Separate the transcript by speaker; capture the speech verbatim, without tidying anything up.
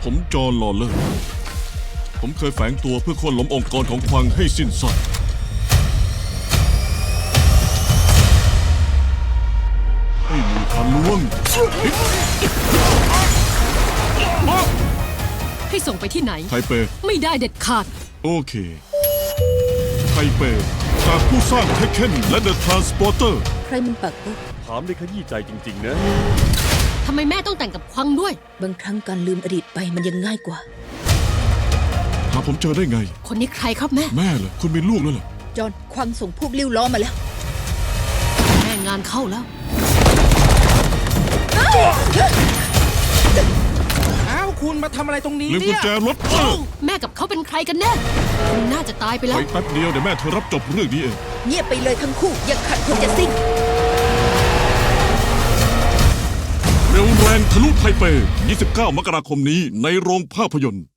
Speaker 1: ผมจอห์นลอเลอร์ผมเคยแฝงตัวเพื่อโค่นล้มองค์กรของควังให้สิ้นซากไม่มีทางล่วง
Speaker 2: ให้ส่งไปที่ไหน
Speaker 1: ไทเป
Speaker 2: ไม่ได้เด็ดขาด
Speaker 1: โอเค ไทเป จากผู้สร้างเทคเคนและเดอะทรานสปอร์เตอร์
Speaker 3: ใครมันปักปุ๊บ
Speaker 4: ถามได้ขยี้ใจจริงๆนะ
Speaker 2: ทำไมแม่ต้องแต่งกับควังด้วย
Speaker 3: บางครั้งการลืมอดีตไปมันยังง่ายกว่า
Speaker 1: หาผมเจอได้ไง
Speaker 2: คนนี้ใครครับแม่
Speaker 1: แม่เหรอคุณมีลูกแล้วเหรอ
Speaker 3: จอห์นควังส่งพวกลิ้วล้อมาแล้ว
Speaker 2: แม่งานเข้าแล้ว
Speaker 5: อ้าวคุณมาทำอะไรตรงนี้
Speaker 1: ลืมกุ
Speaker 5: เนี่
Speaker 1: ญ
Speaker 5: ย
Speaker 1: แจรถเออ
Speaker 2: แม่กับเขาเป็นใครกันแน่คุณน่าจะตายไปแล้
Speaker 1: ไป
Speaker 2: ว
Speaker 1: แป๊บเดียวเดี๋ยวแม่เธอรับจบเรื่องนี้เอง
Speaker 3: เงียบไปเลยทั้งคู่ยังขัดคนจะสิ้น
Speaker 1: เร็วแรงทะลุไทเป ยี่สิบเก้า มกราคมนี้ในโรงภาพยนตร์